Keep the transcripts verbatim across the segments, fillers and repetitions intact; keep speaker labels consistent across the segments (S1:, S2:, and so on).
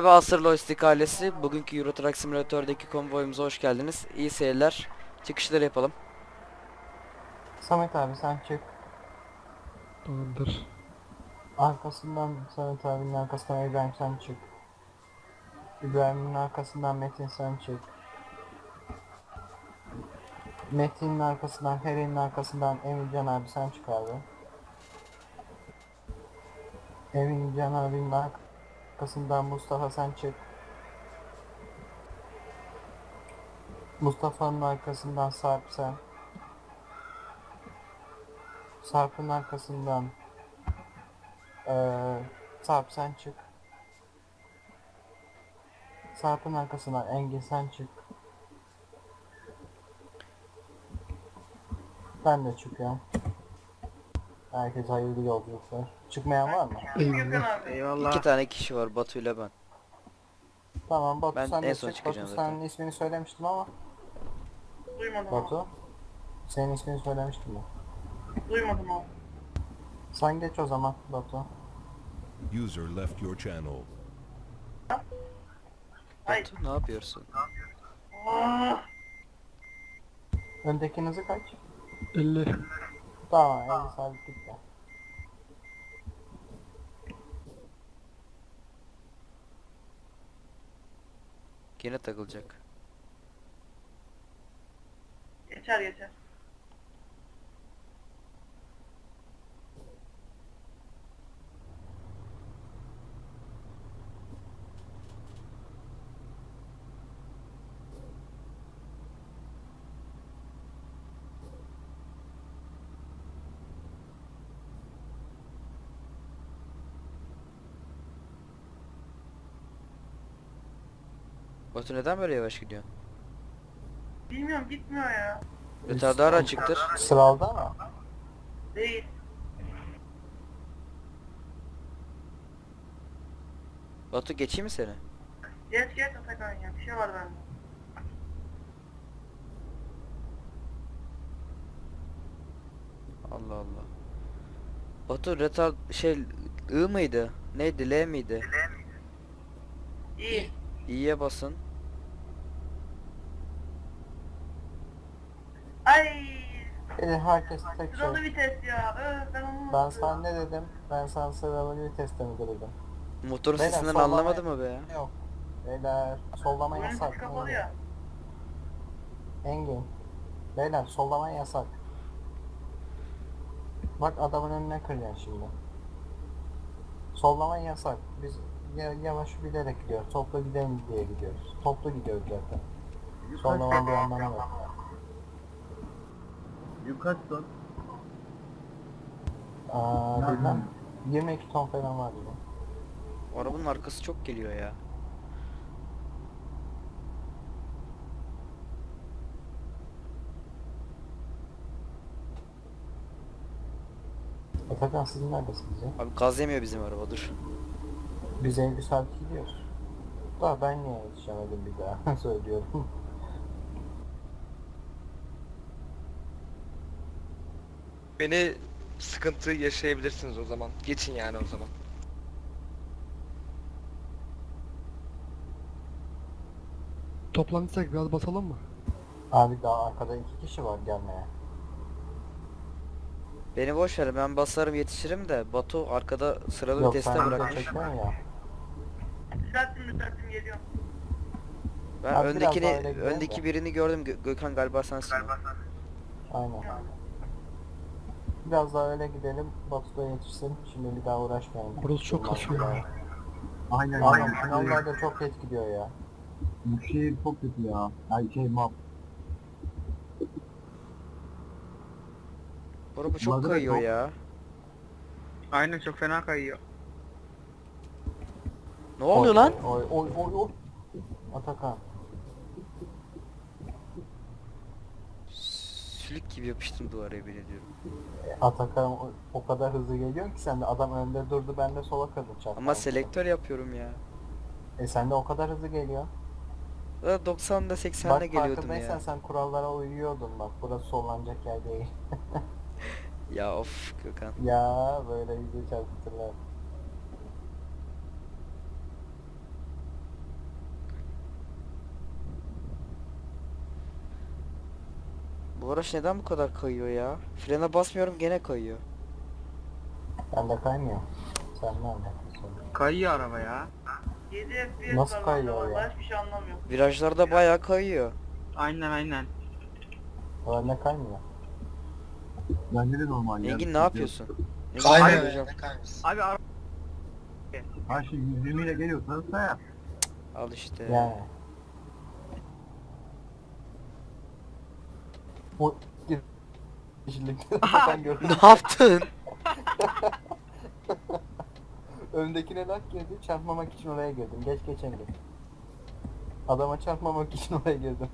S1: Merhaba Asır Lojistik ailesi. Bugünkü Euro Truck Simulator'daki konvoyumuza hoş geldiniz. İyi seyirler. Çıkışları yapalım.
S2: Samet abi sen çık.
S3: Tamamdır.
S2: Arkasından Samet abinin arkasından İbrahim sen çık. İbrahim'in arkasından Metin sen çık. Metin'in arkasından Feri'nin arkasından Emircan abi sen çık abi. Emircan abinin arkasından Mustafa sen çık. Mustafa'nın arkasından Sarp sen. Sarp'ın arkasından eee Sarp sen çık. Sarp'ın arkasından Engin sen çık. Ben de çıkıyorum. Herkese hayırlı yolculuklar. Çıkmayan var mı?
S3: Eyvallah.
S4: Eyvallah.
S1: İki tane kişi var, Batu ile ben.
S2: Tamam Batu
S1: Ben
S2: sen
S1: en
S2: de
S1: son
S2: çık.
S1: çıkacağım
S2: Batu
S1: zaten.
S2: senin ismini söylemiştim ama.
S4: Duymadım
S2: Batu. Senin ismini söylemiştim ben.
S4: abi. Duymadım abi.
S2: Sen geç o zaman Batu.
S5: User left your channel.
S4: Ay.
S1: Batu ne yapıyorsun?
S4: Aa,
S2: Öndekinin hızı kaç?
S3: elli.
S2: Tamam elli sabit gitti.
S1: Yine takılacak.
S4: geçer geçer.
S1: Batu neden böyle yavaş gidiyor?
S4: Bilmiyorum gitmiyor ya.
S1: Retardar açıktır.
S2: Sıralda mı?
S4: Değil.
S1: Batu geçeyim mi seni?
S4: Geç geç Atakan ya. Bir şey var bende.
S1: Allah Allah. Batu retard şey I mıydı? Neydi? L miydi?
S4: İyi.
S1: İ'ye basın.
S4: Ay.
S2: Eli herkes tek
S4: Sıralı
S2: şey.
S4: vites ya. Öf ben onu
S2: Ben sana ne dedim? Ben sana sıralı viteste mi dedim?
S1: Motorun
S2: Beyler,
S1: sesinden
S2: sollama-
S1: anlamadı mı be ya?
S2: Yok. Beyler sollama
S4: Oyun
S2: yasak.
S4: sesi kapalı
S2: Engin.
S4: ya.
S2: Engin. Beyler sollama yasak. Bak adamın önüne kıracaksın şimdi. Sollama yasak. Biz ya- yavaş bilerek gidiyoruz. Toplu gidelim diye gidiyoruz. Toplu gidiyoruz zaten. Sollamanın bir anlamı yok.
S6: Yukarı son.
S2: Aa, bilmem. yirmi iki ton falan var yine.
S1: O arabanın arkası çok geliyor ya.
S2: Atakan sizin neredesiniz ya?
S1: Abi gaz yemiyor bizim araba, dur.
S2: Biz elli saat gidiyoruz. Daha ben niye yetişemedim bir daha söylüyorum.
S7: Beni sıkıntı yaşayabilirsiniz o zaman. Geçin yani o zaman.
S3: Toplantıysak biraz basalım mı?
S2: Abi daha arkada iki kişi var gelmeye.
S1: Beni boş ver, ben basarım yetişirim de Batu arkada sıralı
S2: Yok
S1: viteste
S2: sen video
S1: bırakmış.
S2: çekiyorsun ya.
S4: Düzelttim düzelttim geliyorum.
S1: Ben
S2: Abi biraz
S1: öndekini
S2: daha öyle gidelim
S1: öndeki
S2: de.
S1: birini gördüm. Gö- Gökhan galiba sensin. o.
S2: Aynen. Biraz daha öyle gidelim. Batu da yetişsin. Şimdi bir daha uğraşmayalım.
S3: Burası çok kasıyor ya.
S6: Aynen
S2: Aynen
S6: aynen.
S2: finallerde çok geç gidiyor ya.
S6: Bu şey çok kötü ya. Ay şey map.
S1: Bu araba çok
S6: Mazeret
S1: kayıyor
S6: yok.
S1: ya.
S7: Aynen çok fena kayıyor.
S1: Ne oluyor lan?
S2: Oy oy oy oy. Atakan.
S1: Sülük gibi yapıştım duvara, yemin ediyorum.
S2: Atakan o, o kadar hızlı geliyor ki sen de adam önde durdu ben de sola kırdım çarptım.
S1: Ama selektör yapıyorum ya.
S2: E sen de o kadar hızlı geliyor.
S1: Da doksanla seksenle
S2: Bak
S1: geliyordum
S2: farkındaysan
S1: ya.
S2: sen kurallara uyuyordun bak burası sollanacak yer değil.
S1: Ya of Gökhan.
S2: Ya böyle yüzü çarpıtırlar.
S1: Bu araç neden bu kadar kayıyor ya? Frene basmıyorum gene kayıyor.
S2: Ben de kaymıyor. Sen ne anlatıyorsun?
S3: Kayıyor araba ya.
S4: yedi F P S
S2: Nasıl
S4: var
S2: kayıyor
S4: bende
S2: ya?
S4: vallahi hiçbir şey anlamıyorum.
S1: Virajlarda bayağı kayıyor.
S3: Aynen aynen.
S2: Öyle ne kaymıyor?
S6: Bence de normal ya.
S1: Engin ne yapıyorsun? Engin,
S8: Kaymıyor
S1: hadi
S8: ya,
S1: hocam.
S8: ne kayması?
S3: Abi araba
S6: Her şey yüz yirmi ile geliyorsanız da yap.
S1: Al işte.
S2: Yani. Bu kişilikte ben gördüm.
S1: Ne yaptın?
S2: Öndekine lak girdi, çarpmamak için oraya girdim. Geç geçemedim. Adama çarpmamak için oraya girdim.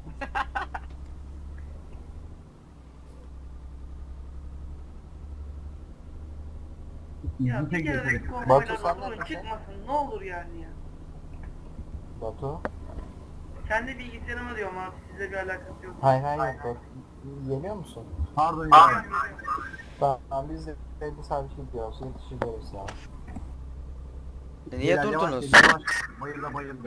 S4: Ya
S6: İzin
S4: bir
S6: tek
S4: kere de
S6: yetenek.
S2: Batu,
S4: konvoyla
S2: sen
S4: durun
S2: neredesin?
S4: çıkmasın ne olur yani ya.
S2: Batu.
S4: Kendi bilgisayarıma diyorum abi sizle bir alakası yok.
S2: Hay hay yok. Batu. Yeniyor musun?
S6: Pardon
S4: Aa,
S6: ya.
S2: Tamam biz de belli sabit gidiyoruz. Yetişeceğiz ya.
S1: E, Niye
S6: Beyler, yavaş
S1: durdunuz?
S6: gelin, yavaş. Bayıldı bayıldı.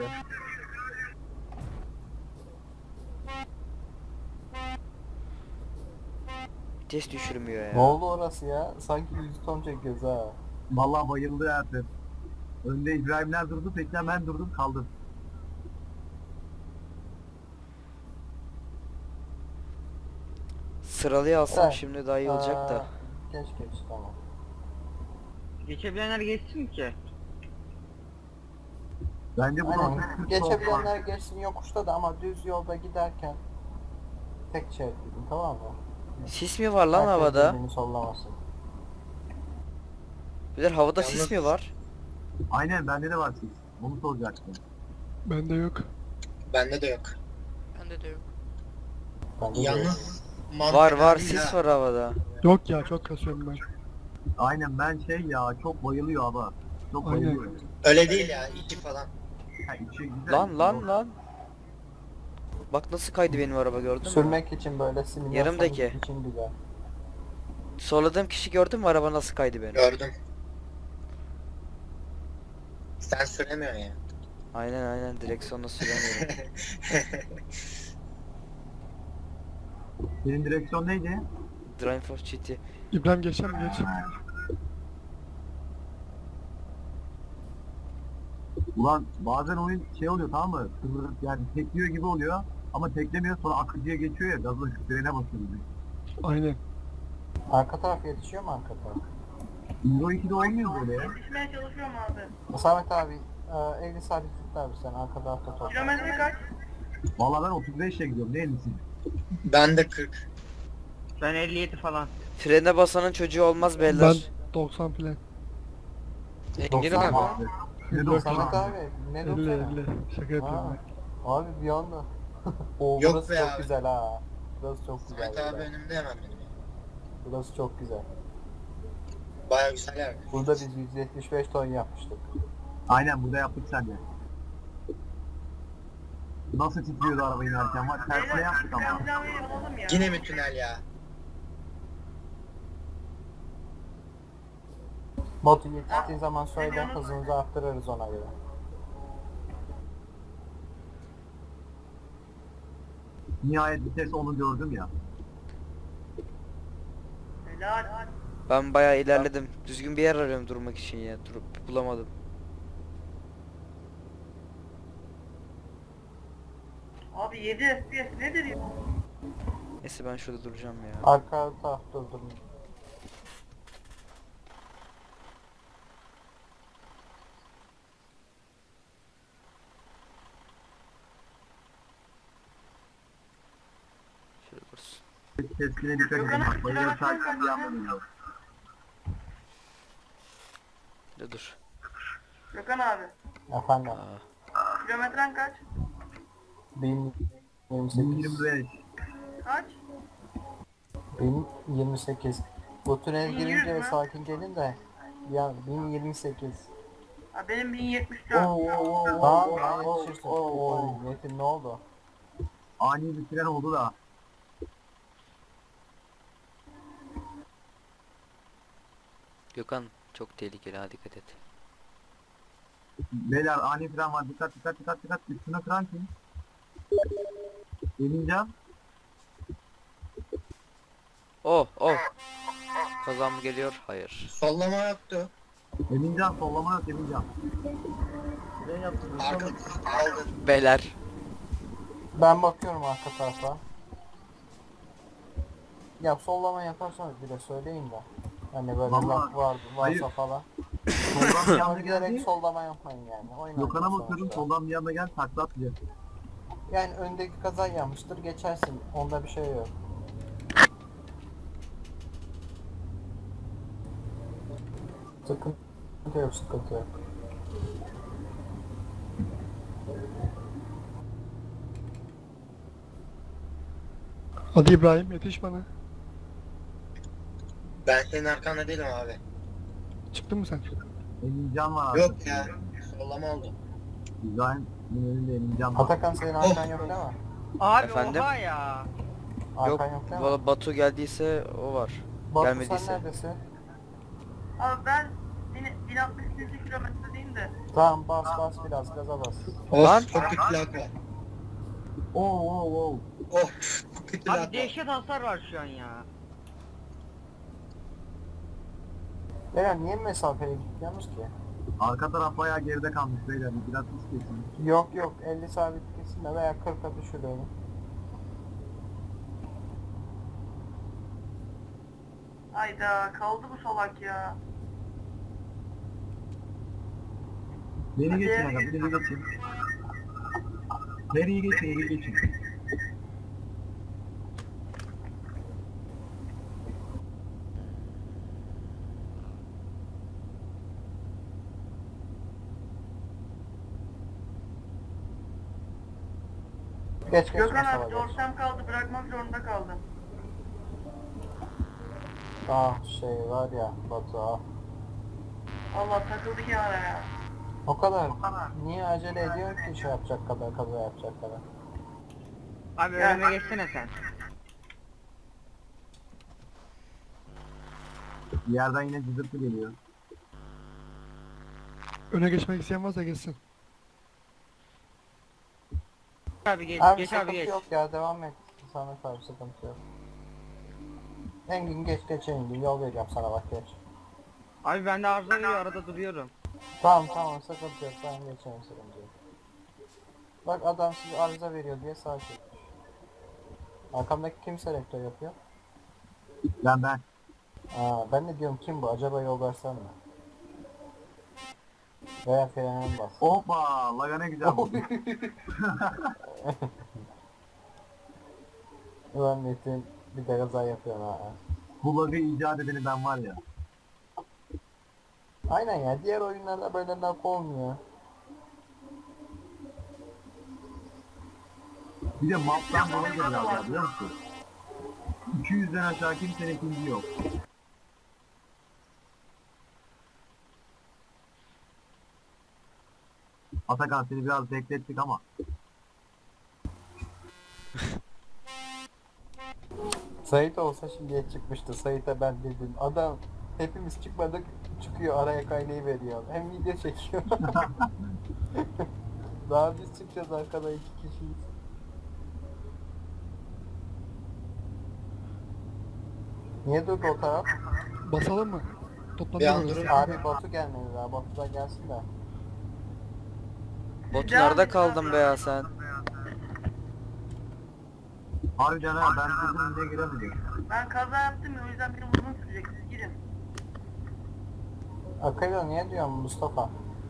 S1: Vites düşürmüyor
S2: Ne
S1: ya.
S2: oldu orası ya? Sanki yüz ton çekiyoruz ha.
S6: Vallahi bayıldı artık. Önde İbrahimler durdu, tekrar ben durdum kaldım.
S1: Sıralıya alsam
S2: Evet.
S1: şimdi daha iyi olacak da.
S2: Aa, Geç geç tamam.
S3: geçebilenler geçsin ki.
S6: Bence bu
S2: Aynen.
S6: nokta-
S2: Geçebilenler geçsin yokuşta da ama düz yolda giderken tek şerit gidin, tamam mı?
S1: Sis mi var lan
S2: Herkes
S1: havada?
S2: birbirini sollamasın.
S1: Bilir havada
S8: Yalnız-
S1: sis mi var?
S6: Aynen bende de var siz. Onu soracaktım.
S3: Bende yok.
S8: Bende de yok.
S1: Bende de yok.
S2: Bence de
S8: Yalnız
S1: Var
S8: mantıken
S1: var
S8: değil
S1: sis
S8: ha.
S1: var havada.
S3: Yok ya çok kasıyorum ben.
S6: Aynen ben şey ya çok bayılıyor ama. Çok
S3: Aynen.
S6: bayılıyor.
S8: Öyle değil ya, iki falan.
S6: Ha, içi güzel.
S1: Lan lan lan. Bak nasıl kaydı benim araba gördün mü?
S2: Sürmek için böyle simülasyon
S1: Yarımdaki.
S2: için güzel.
S1: Solladığım kişi gördün mü araba nasıl kaydı benim?
S8: Gördüm. Sen süremiyorsun ya.
S1: Aynen aynen direksiyonla süremiyorum.
S6: Senin direksiyon neydi?
S1: Drive for G T.
S3: İbrahim geçer mi geç?
S6: Ulan bazen oyun şey oluyor tamam mı? Kıvırıp yani tekliyor gibi oluyor. Ama teklemiyor sonra akıcıya geçiyor ya gazı frene basıyor.
S3: Aynen.
S2: Arka taraf yetişiyor mu arka taraf?
S6: Euro ikide olmuyor böyle ya.
S4: Yetişmeye çalışıyorum abi.
S2: Samet abi e, elli sabit tut abi sen arka tarafta top.
S4: Kilometre kaç?
S6: Valla ben otuz beşle gidiyorum ne ellisi?
S8: Ben de kırk.
S3: Ben elli yedi falan.
S1: Frene basanın çocuğu olmaz
S3: Ben
S1: beyler.
S3: doksan falan.
S1: Engin'im
S2: doksan
S1: abi.
S6: Abi. Ne
S3: Yok,
S6: doksan
S2: Samet
S6: abi?
S2: abi ne
S3: elli
S2: doksan?
S3: elli. Şaka yapıyorum
S2: Ha,
S3: ben.
S2: abi bir anda. O
S8: Yok
S2: burası
S8: be
S2: çok
S8: abi.
S2: güzel ha. Burası çok güzel.
S8: Samet abi
S2: burada.
S8: önümde hemen benim. ya.
S2: Burası çok güzel.
S8: Baya güzel yer.
S2: Burada biz yüz yetmiş beş ton yapmıştık.
S6: Aynen burada yaptık sen de. Nasıl titriyordu araba inerken var. Tersine yaptık ama.
S4: Skandinavya'yı alalım ya.
S8: Yine mi tünel ya?
S2: Botu yetiştiği zaman söyle hızımızı arttırırız ona göre.
S6: Nihayet vites onu gördüm ya.
S4: Helal.
S1: Ben bayağı ilerledim. Düzgün bir yer arıyorum durmak için ya. Durup bulamadım.
S4: Abi yedi F P S nedir ya?
S1: Neyse ben şurada duracağım ya.
S2: Arka taraf durdurun.
S1: Şurada dursun.
S6: Teskine dikkat edin. Bak bayılır takip bir anda.
S1: Şurada dur.
S4: Gökhan abi.
S2: Efendim.
S1: Aa.
S4: Kilometren kaç?
S2: bin yirmi sekiz.
S6: yirmi beş.
S4: Kaç?
S2: bin yirmi sekiz. Bu tünel
S4: bin yüz
S2: girince
S4: mü?
S2: sakin gelin de. Ya bin yirmi sekiz.
S4: Ha, benim bin yetmiş dört.
S2: Tamam ben yetişirsin. Oo, Metin ne oldu?
S6: Ani bir fren oldu da.
S1: Gökhan çok tehlikeli ha dikkat et.
S6: Beyler ani fren var. Dikkat dikkat dikkat dikkat. Üstüne kıran kim? Emincan.
S1: Oh oh. Kazan mı geliyor? Hayır.
S8: Sollama yoktu.
S6: Emincan sollama yok Emincan. Ne yaptın?
S8: Arka aldın.
S1: Beyler.
S2: Ben bakıyorum arka tarafa. Ya sollama yaparsanız bir de söyleyin de. Hani böyle
S6: Vallahi-
S2: laf var,
S6: Hayır.
S2: varsa falan.
S6: Soldan bir
S2: Ama
S6: anda
S2: giderek
S6: geldi.
S2: sollama yapmayın yani. Oynayın
S6: Gökhan'a bakıyorum
S2: sonuçta.
S6: soldan bir anda gel takla atacak.
S2: Yani öndeki kaza yanmıştır geçersin. Onda bir şey yok. Sıkıntı yok, sıkıntı yok.
S3: Hadi İbrahim yetiş bana.
S8: Ben senin arkanda değilim abi.
S3: Çıktın mı sen?
S6: Emincan var abi.
S8: Yok ya. Sollama oldu.
S6: İbrahim önünde Emincan var.
S2: Atakan senin arkan yok değil mi?
S3: Abi
S1: Efendim?
S3: oha ya.
S1: Yok.
S2: Arkan yok değil mi?
S1: Valla Batu geldiyse o var.
S2: Batu
S1: gelmediyse.
S2: sen neredesin?
S4: Abi ben bin altmış kilometredeyim de.
S2: Tamam bas bas biraz gaza bas.
S1: Lan.
S8: Of çok kötü lag var.
S6: Oo oo oo.
S8: Oh çok kötü lag
S3: Abi
S8: var.
S3: dehşet hasar var şu an ya.
S2: Beyler niye mesafeli gitmiyorsunuz ki?
S6: Arka taraf bayağı geride kalmış beyler. Biraz hız kesin.
S2: Yok yok elli sabit kesin de veya kırka düşürüyorum.
S4: Ayda kaldı bu salak ya.
S6: Beni
S4: Hadi.
S6: geçin aga, beni geçin. Beni geçin, beni geçin.
S2: Geç geç
S4: Gökhan
S2: Mustafa
S4: abi
S2: geç.
S4: dorsem kaldı, bırakmak zorunda kaldım.
S2: Ah şey var ya Batu ah.
S4: Allah takıldı kenara ya.
S2: O kadar. Niye acele ediyor ki şey yapacak kadar kaza yapacak kadar.
S3: Abi
S4: Ya.
S3: önüme geçsene sen.
S6: Bir yerden yine cızırtı geliyor.
S3: Öne geçmek isteyen varsa geçsin. Abi geç,
S2: Abi
S3: geç abi
S2: sıkıntı
S3: geç.
S2: yok ya devam et. Samet abi sıkıntı yok. Engin geç geç Engin yol vereceğim sana bak geç.
S3: Abi bende arıza veriyor arada duruyorum.
S2: Tamam tamam sıkıntı yok ben geçerim sıkıntı yok. Bak adam size arıza veriyor diye sağ çekmiş. Arkamdaki kim selektör yapıyor?
S6: Ben ben.
S2: Aa, ben de diyorum kim bu acaba yol versen mi? Veya frene mi bas?
S6: Hoppa, laga ne güzel bu.
S2: Ulan Metin bir de kaza yapıyor ha.
S6: Bu lagı icat edeni ben var ya.
S2: Aynen ya diğer oyunlarda böyle laf olmuyor.
S6: Bir de maptan dolayı da biraz var biliyor musun? iki yüzden aşağı kimsenin ikinci yok. Atakan seni biraz beklettik ama.
S2: Sait olsa şimdiye çıkmıştı. Sait'e ben dedim. Adam hepimiz çıkmadık çıkıyor araya kaynayı veriyor. Hem video çekiyor. Daha biz çıkacağız arkada iki kişiyiz. Niye durdu o taraf?
S3: Basalım mı?
S8: Bir
S3: Toplanıyor
S8: an
S3: orası.
S8: durun.
S2: Abi Batu gelmedi daha. Batu da gelsin de.
S1: Batu
S4: Devam
S1: nerede
S4: et
S1: kaldın
S4: abi.
S1: be ya sen?
S6: Harbiden ha ben kızım diye giremedim.
S4: Ben kaza yaptım ya o yüzden benim uzun sürecek, siz gidin.
S2: Akıllı niye diyorum Mustafa?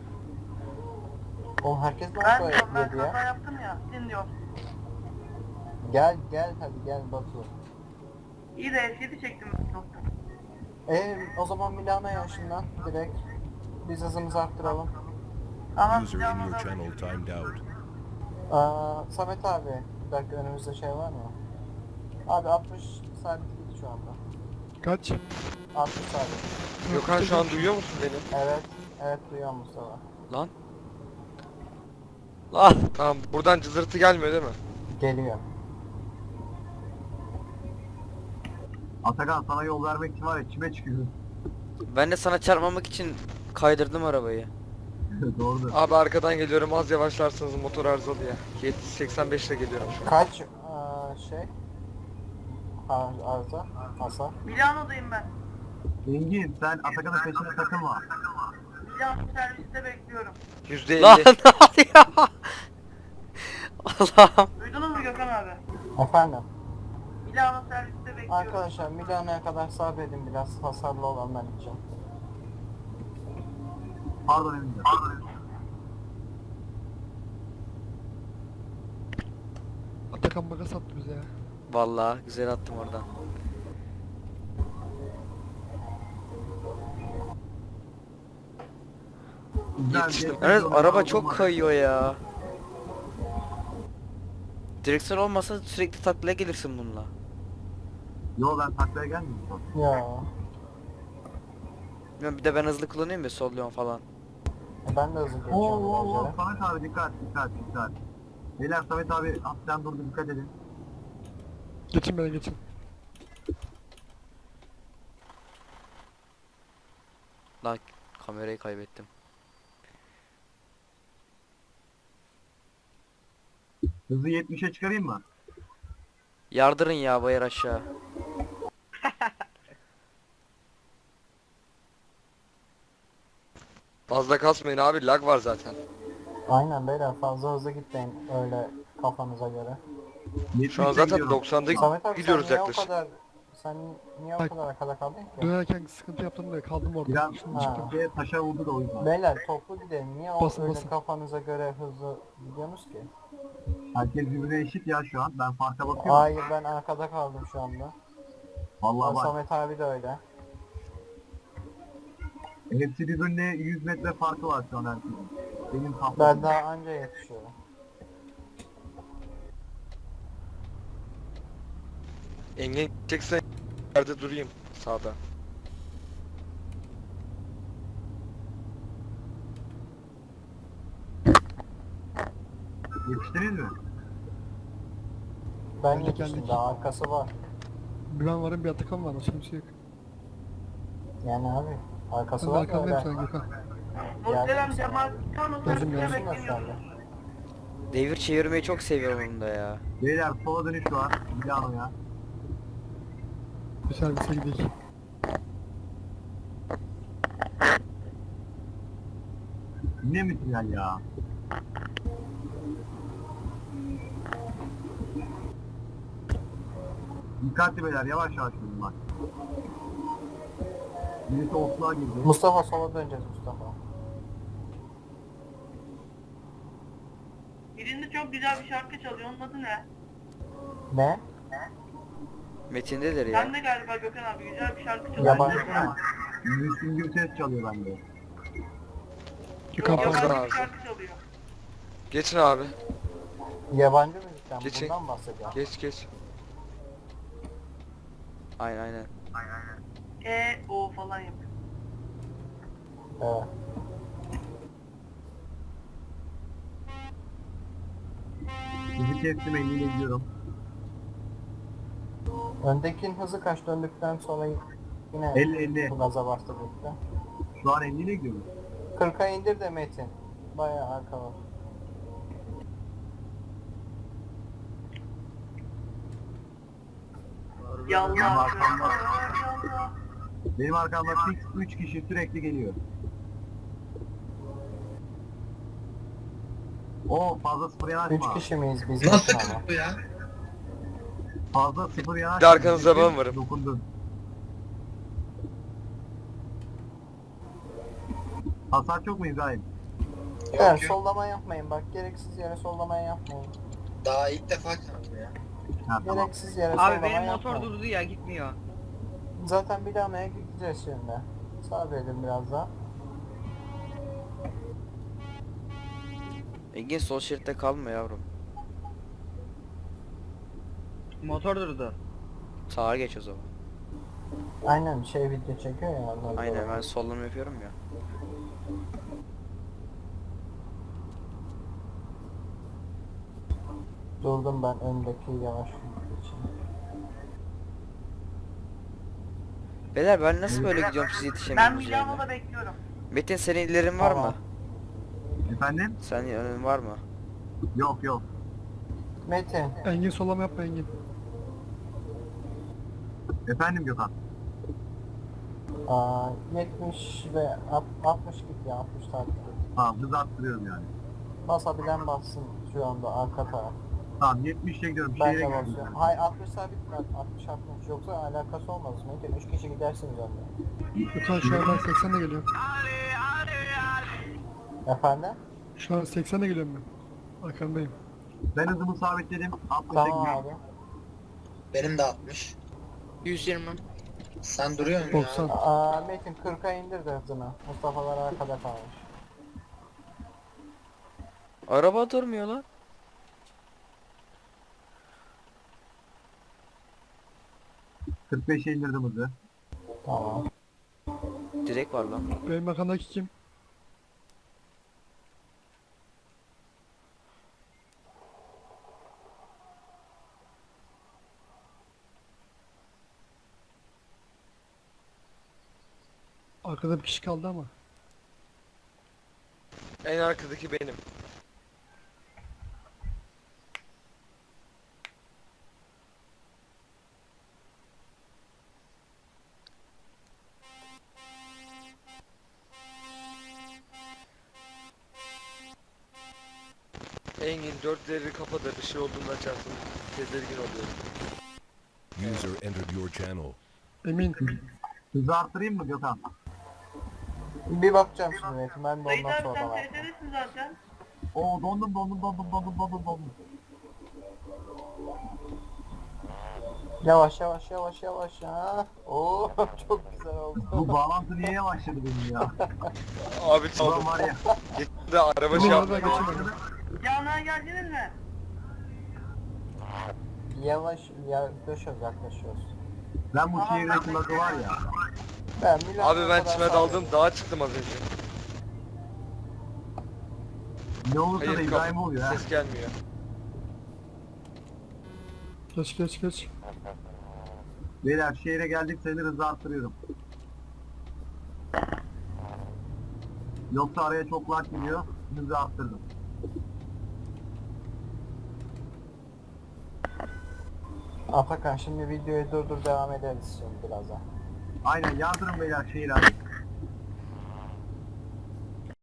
S2: Oğlum herkes mi
S4: Ben
S2: böyle
S4: diyorum ben
S2: dedi
S4: kaza
S2: ya?
S4: yaptım ya, gidin diyorum.
S2: Gel gel hadi gel Batu.
S4: İyi de F yedi çektim nokta.
S2: Eee o zaman Milano'ya ışınlan direkt. Biz hızımızı arttıralım.
S4: Ama
S5: User in your channel timed out.
S2: Aa, Samet abi bir dakika önümüzde şey var mı? Abi altmış sabit git şu anda.
S3: Kaç?
S2: altmış sabit.
S7: Gökhan şu an duyuyor musun beni?
S2: Evet. Evet duyuyorum Mustafa.
S1: Lan. Lan.
S7: Tamam buradan cızırtı gelmiyor değil mi?
S2: Geliyor.
S6: Atakan sana yol vermek için var ya çime çıkıyor.
S1: Ben de sana çarpmamak için kaydırdım arabayı.
S6: Doğrudur.
S7: Abi arkadan geliyorum az yavaşlarsanız motor arızalı ya. yetmiş seksen beş ile geliyorum şu an.
S2: Kaç aa, şey? Ar- Arıza. Hasar.
S4: Milano'dayım ben.
S6: Engin sen Atakan'ın peşine takılma.
S4: Milano serviste bekliyorum.
S7: yüzde
S1: Lan
S7: elli.
S1: ne oluyor? Allah'ım.
S4: Duydunuz mu Gökhan abi?
S2: Efendim.
S4: Milano serviste bekliyorum.
S2: Arkadaşlar Milano'ya kadar sabredin, biraz hasarlı olanlar için.
S6: Pardon Engin. Pardon Engin.
S3: Atakan baka sattı bize ya.
S1: Vallahi güzel attım oradan.
S6: Güzel,
S7: Yetiştim.
S6: geçmiş
S1: Evet,
S6: olsun,
S1: araba
S6: aldım
S1: çok
S6: var.
S1: kayıyor ya. Direksiyon olmasa sürekli taklaya gelirsin bununla.
S6: Yo ben taklaya gelmiyorum.
S2: Ya.
S1: Bilmiyorum, bir de ben hızlı kullanıyorum ya, solluyorum falan.
S2: e, Ben de hızlı
S6: Oo
S2: geçiyorum
S6: oo oo
S2: virajlara.
S6: Samet abi dikkat dikkat dikkat. Beyler Samet abi hafiften durdu dikkat edin.
S3: Geçin beni geçin.
S1: Lan kamerayı kaybettim.
S6: Hızı yetmişe çıkarayım mı?
S1: Yardırın ya bayır aşağı.
S7: Fazla kasmayın abi, lag var zaten.
S2: Aynen beyler, fazla hızlı gitmeyin öyle kafanıza göre.
S7: Şu an
S6: yetmişe
S7: zaten
S6: gidiyorum.
S7: doksanda
S2: Samet abi
S7: gidiyoruz
S2: sen niye
S7: yaklaşık.
S2: o kadar... Sen niye o
S3: Bak.
S2: kadar arkada kaldın ki?
S3: Dönerken sıkıntı yaptım da kaldım orada.
S6: Biraz
S3: Şimdi çıktım.
S2: Ha.
S6: şeye, taşa vurdu da o yüzden.
S2: Beyler toplu gidelim. Niye o
S3: Basın,
S2: öyle
S3: basın.
S2: kafanıza göre hızlı gidiyorsunuz ki?
S6: Herkes birbirine eşit ya şu an. Ben farka bakıyorum.
S2: Hayır, ben arkada kaldım şu anda.
S6: Vallahi bak.
S2: Samet abi de öyle.
S6: Hepsi birbirine yüz metre farkı var şu an herkesin. Benim
S2: Ben
S6: tahtam.
S2: daha anca yetişiyorum.
S7: Engin çeksen yerde durayım sağda.
S6: Yetiştiniz mi?
S2: Ben
S3: Geldik,
S2: yetiştim,
S3: geldik.
S2: daha arkası var.
S3: Bir ben varım bir Atakan var. Başka bir şey yok.
S2: Yani abi arkası
S3: Ben
S2: var da
S3: arkandayım
S2: öyle.
S3: sen Gökhan.
S4: Muhterem Cemal Milano
S3: Gözüm
S4: serviste
S3: gözüm
S2: Gözüm
S4: bekliyorum.
S2: aşağıda.
S1: Devir çevirmeyi çok seviyorum bunda ya.
S6: Beyler sola dönüş var. Milano'ya.
S3: Bir servise gidelim.
S6: Yine mi tünel ya? Dikkatli beyler yavaş yavaş gidin bak. Birisi otluğa girdi.
S2: Mustafa sola döneceğiz Mustafa.
S4: Birinde çok güzel bir şarkı çalıyor. Onun adı ne?
S2: Ne?
S1: Metindedir ya.
S4: Sen de galiba Gökhan abi güzel bir şarkı çalıyor.
S2: Yabancı mı?
S6: Müslüm Gürses çalıyor bende.
S3: Gökhan
S7: Yabancı
S3: pardon.
S4: Yabancı
S7: abi.
S4: bir şarkı çalıyor.
S7: Geçin abi.
S2: Yabancı müzikten
S7: Geçin.
S2: bundan bahsediyorum.
S7: Geç geç.
S1: Aynen aynen.
S4: E o falan yapıyor.
S2: Evet.
S6: Sizi kestim elliyle gidiyorum.
S2: Öndekinin hızı kaç, döndükten sonra yine
S6: elli elli.
S2: bu gaza bastı gitti.
S6: Şu an elliyle gidiyorum.
S2: kırka indir de Metin. Bayağı arka var.
S4: Yallah.
S6: Benim
S4: Yallah.
S6: arkamda,
S4: Yallah.
S6: benim arkamda fix üç kişi sürekli geliyor. O fazla sıfır
S2: Üç
S6: yanaşma.
S2: kişi miyiz biz?
S8: Nasıl
S2: Metin ama?
S8: bu ya?
S6: Fazla sıfır yanaşma.
S7: Bir de arkanızda ben varım.
S6: Dokundun. Hasar çok mu İbrahim?
S2: Evet, sollama yapmayın bak, gereksiz yere sollama yapmayın.
S8: Daha ilk defa çaldım ya.
S6: Ha tamam.
S2: Gereksiz yere
S3: Abi
S2: sollama
S3: benim motor
S2: yapmayın.
S3: durdu ya gitmiyor.
S2: Zaten Milano'ya gideceğiz şimdi. Sabredin biraz daha.
S1: Engin sol şeritte kalma yavrum.
S3: Motor durdu.
S1: Sağa geç o zaman.
S2: Aynen, şey video çekiyor ya. ondan
S1: Aynen,
S2: sonra.
S1: ben sollama yapıyorum ya.
S2: Durdum ben öndeki yavaş için.
S1: Beyler ben nasıl böyle gidiyorum, siz
S4: Ben
S1: yetişemiyorsunuz
S4: Milano'da
S1: yani.
S4: bekliyorum.
S1: Metin senin ilerin var
S2: Tamam.
S1: mı?
S6: Efendim?
S1: Senin önün var mı?
S6: Yok yok.
S2: Metin,
S3: Engin sollama yapma Engin.
S6: Efendim Gökhan.
S2: Aa, yetmiş ve alt- altmış git ya, altmış takip et.
S6: Tamam hız arttırıyorum yani.
S2: Basabilen bassın şu anda arka taraf.
S6: Tamam yetmişe gidiyorum.
S2: Ben
S6: Şehire
S2: de
S6: gidiyorum.
S2: basıyorum. Hayır altmış sabit bak, altmış altmış yoksa alakası olmaz. Metin üç kişi gidersiniz onunla.
S3: Gökhan şu an ben seksenle geliyorum.
S2: Efendim?
S3: Şu an seksenle geliyorum ben. Arkandayım.
S6: Ben hızımı sabitledim. altmışa
S2: Tamam
S6: gidiyorum.
S2: abi.
S8: Benim de altmış.
S1: yüz yirmi.
S8: Sen duruyorsun
S3: doksan.
S8: ya.
S2: Aa, Metin kırka indir de hızını. Mustafa'lar arkada kalmış.
S1: Araba durmuyor lan.
S6: kırk beşe indirdim hızı.
S2: Tamam.
S1: Direkt var lan.
S3: Benim arkamdaki kim? Arkada bir kişi kaldı ama.
S7: En arkadaki benim. Engin dörtleri kapa da bir şey olduğunda açarsın. Tedirgin oluyorum.
S5: User entered your channel.
S3: Emin.
S6: Hızı arttırayım mı Gökhan?
S2: Bir bakacağım şimdi Metin, ben de
S4: Dayı
S2: ondan
S4: abi
S2: sonra
S4: sen
S2: bakacağım.
S4: T T'desin zaten.
S6: Oo dondum dondum dondum dondum dondum dondum.
S2: Yavaş yavaş yavaş yavaş ya. Oo çok güzel oldu.
S6: Bu bağlantı niye yavaşladı benim ya?
S7: Abi
S6: Ulan
S7: çaldım.
S6: var ya.
S7: Gitti de araba şey
S3: Bu
S7: yaptı.
S3: arada geçemedim.
S4: Canlığa geldiniz mi?
S2: Yavaş yaklaşıyoruz yaklaşıyoruz.
S6: Ben bu şehirdeki lagı var ya.
S2: Ben Milan'a
S7: Abi ben
S2: kadar
S7: çime
S2: sağ
S7: daldım,
S2: ol.
S7: dağa çıktım az önce.
S6: Ne olursa da
S7: Hayır,
S6: İbrahim
S7: kap-
S6: oluyor ha.
S7: ses gelmiyor.
S3: Geç geç geç.
S6: Beyler şehre geldik sayılır hızı arttırıyorum. Yoksa araya çok lag giriyor. Hızı arttırdım.
S2: Atakan şimdi videoyu durdur, devam ederiz şimdi birazdan.
S6: Aynen yardırın beyler şehir abi.